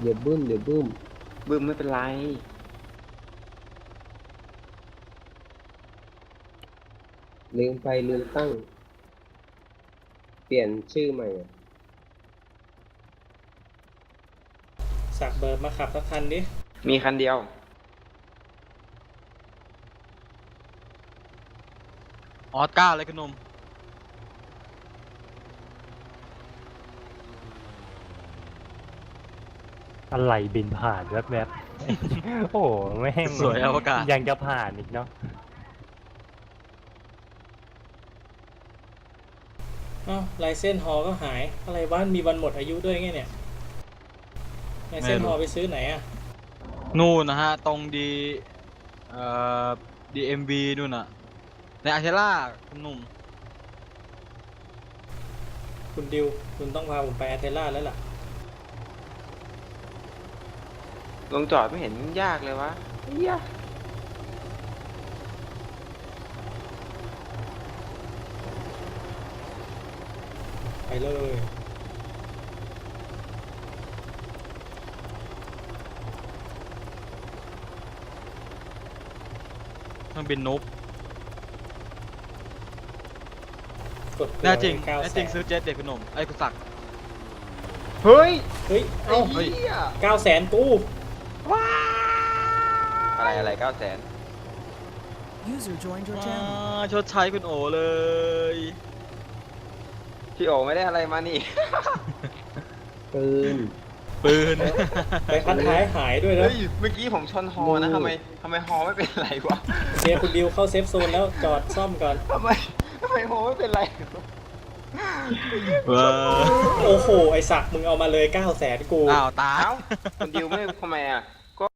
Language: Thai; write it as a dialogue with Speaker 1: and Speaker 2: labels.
Speaker 1: เดี๋ยวบึ้มเดี๋ยวบึ้ม
Speaker 2: บึ้มไม่เป็นไร
Speaker 1: ลืมไปลืมตั้ง เปลี่ยนชื่อใหม่อะ
Speaker 3: สักเบิร์ดมาขับสักคันดิ
Speaker 2: มีคันเดียว
Speaker 4: ออสการ์เลยคุณหนุ่ม
Speaker 5: อะไรบินผ่านแวบๆ โอ้โหแม่ง
Speaker 4: สวยอวกาศ
Speaker 5: ยังจะผ่านอีกเนาะ
Speaker 3: อ้าวลายเส้นฮอก็หาย อะไรวะมีวันหมดอายุด้วยไงเนี่ยลายเส้นฮอไปซื้อไหนอะ
Speaker 4: นู่นนะฮะ ตรงดีเอ่อ DMV นู่นน่ะ ในอาเทล่าคุณหนุ่ม
Speaker 3: คุณดิว คุณต้องพาผมไปอาเทล่าแล้วล่ะ
Speaker 2: ลงจอดไม่เห็นยากเลยวะเฮีย
Speaker 3: ไปเลย
Speaker 4: เครื่องบินนุ๊บ
Speaker 3: กด
Speaker 4: แน่จริง
Speaker 3: 900,000
Speaker 4: แน่จริงซื้อเจ็ตเด็กคุณหนุ่มไอ้คุณศักดิ์
Speaker 2: เฮ้ย
Speaker 3: เฮ้ย
Speaker 2: ไอ้
Speaker 3: เอ้า
Speaker 2: เหี้ย
Speaker 3: 900,000กู
Speaker 2: อะไร900,000
Speaker 6: User joined your
Speaker 4: อ่า
Speaker 6: channel.
Speaker 4: ชดใช้คุณโอเลย
Speaker 2: พี่โอไม่ได้อะไรมานี่
Speaker 1: ปืน
Speaker 4: ปืน
Speaker 3: ไปพัดท้ายหายด้วยนะ
Speaker 2: เฮ้ย เมื่อกี้ผมชนฮอนะทำไมฮอไม่เป็นไรวะ
Speaker 3: เชียร์คุณดิวเข้าเซฟโซนแล้วจอดซ่อมก่อน
Speaker 2: ทำไมฮอไม่เป็นไร
Speaker 4: ว้า
Speaker 3: โอ้โห ไอสักมึงเอามาเลย 900,000กู
Speaker 4: อ้าวตาย
Speaker 2: เอ้าคุณดิวไม่ทำไมอ่ะ